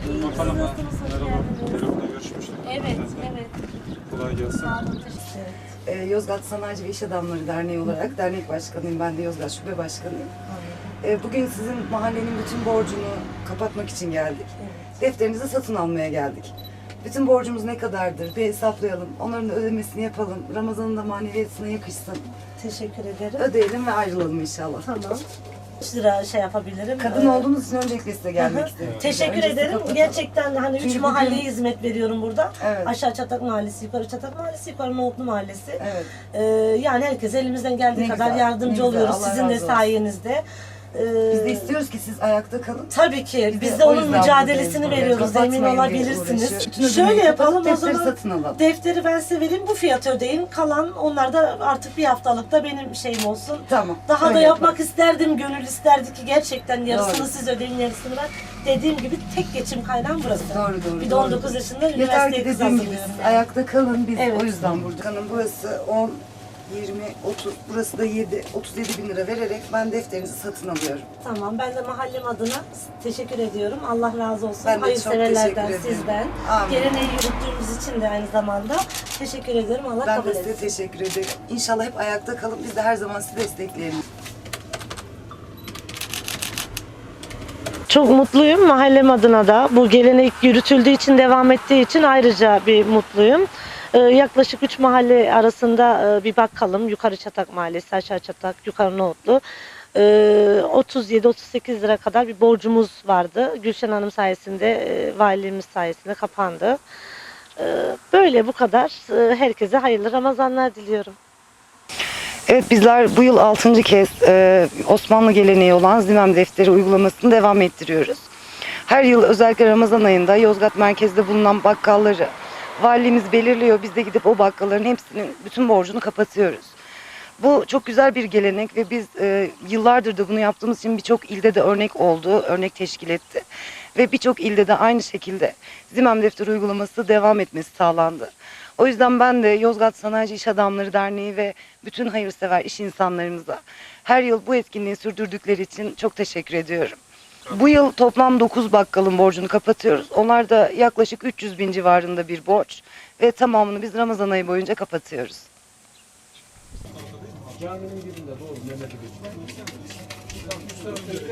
İyi, Bakalım. siz nasılsınız? Hoş Merhaba. geldiniz. Telefonda görüşmüştük. Evet, evet. Kolay gelsin. Sağ olun, teşekkür ederim. Yozgat Sanayici ve İş Adamları Derneği olarak dernek başkanıyım. Ben de Yozgat Şube Başkanıyım. Bugün sizin mahallenin bütün borcunu kapatmak için geldik. Defterinizi satın almaya geldik. Bütün borcumuz ne kadardır bir hesaplayalım. Onların da ödemesini yapalım. Ramazan'ın da maneviyatına yakışsın. Teşekkür ederim. Ödeyelim ve ayrılalım inşallah. Tamam. 3 lira şey yapabilirim. Kadın olduğunuz için öncelikle size gelmek istedim. Teşekkür Öncesi ederim. kapatalım. Gerçekten hani 3 Çünkü mahalleye bugün- hizmet veriyorum burada. Evet. Aşağı Çatak Mahallesi, yukarı Çatak Mahallesi, yukarı Nohutlu Mahallesi. Evet. Yani herkese elimizden geldiği Ne kadar güzel, yardımcı ne güzel. oluyoruz Allah sizin de razı olsun. sayenizde. Biz de istiyoruz ki siz ayakta kalın. Tabii ki. Biz Biz de de o onun yüzden mücadelesini buradayız. veriyoruz. Kapatmayın Emin diye olabilirsiniz. uğraşıyor. Bütün Şöyle ödemeyi yapalım kapatıp o defteri zaman. satın alalım. Defteri ben size vereyim. Bu fiyatı ödeyin. Kalan onlar da artık bir haftalık da benim şeyim olsun. Tamam. Daha öyle da yapmak yapalım. isterdim. Gönül isterdi ki gerçekten yarısını Doğru. siz ödeyin, yarısını ben. Dediğim gibi tek geçim kaynağım burası. Doğru. Bir de 19 yaşında Yeter üniversiteye ki kız dediğim gibi hazırlıyorum. siz yani. ayakta kalın. Biz Evet. o yüzden burada. Kanın burası 10, 20, 30, burası da 7, 37 bin lira vererek ben defterinizi satın alıyorum. Tamam. Ben de mahallem adına teşekkür ediyorum. Allah razı olsun. Ben de çok Hayırseverlerden, teşekkür ederim. sizden. Amin. Geleneği yürüttüğümüz için de aynı zamanda teşekkür ederim. Allah Ben kabul de size etsin. teşekkür ederim. İnşallah hep ayakta kalın. Biz de her zaman sizi destekleyelim. Çok mutluyum mahallem adına da. Bu gelenek yürütüldüğü için, devam ettiği için ayrıca bir mutluyum. Yaklaşık 3 mahalle arasında bir bakalım. Yukarı Çatak Mahallesi, aşağı Çatak, yukarı Nohutlu. 37-38 lira kadar bir borcumuz vardı. Gülşen Hanım sayesinde, valimiz sayesinde kapandı. Böyle bu kadar. Herkese hayırlı Ramazanlar diliyorum. Evet, bizler bu yıl 6. kez Osmanlı geleneği olan Zimem Defteri uygulamasını devam ettiriyoruz. Her yıl özellikle Ramazan ayında Yozgat merkezde bulunan bakkalları valimiz belirliyor. Biz de gidip o bakkalların hepsinin bütün borcunu kapatıyoruz. Bu çok güzel bir gelenek ve biz yıllardır da bunu yaptığımız için birçok ilde de örnek oldu, örnek teşkil etti. Ve birçok ilde de aynı şekilde Zimem Defteri uygulaması devam etmesi sağlandı. O yüzden ben de Yozgat Sanayici İş Adamları Derneği ve bütün hayırsever iş insanlarımıza her yıl bu etkinliği sürdürdükleri için çok teşekkür ediyorum. Bu yıl toplam 9 bakkalın borcunu kapatıyoruz. Onlar da yaklaşık 300 bin civarında bir borç ve tamamını biz Ramazan ayı boyunca kapatıyoruz. Caminin birinde doğru Mehmet'e geçiyor.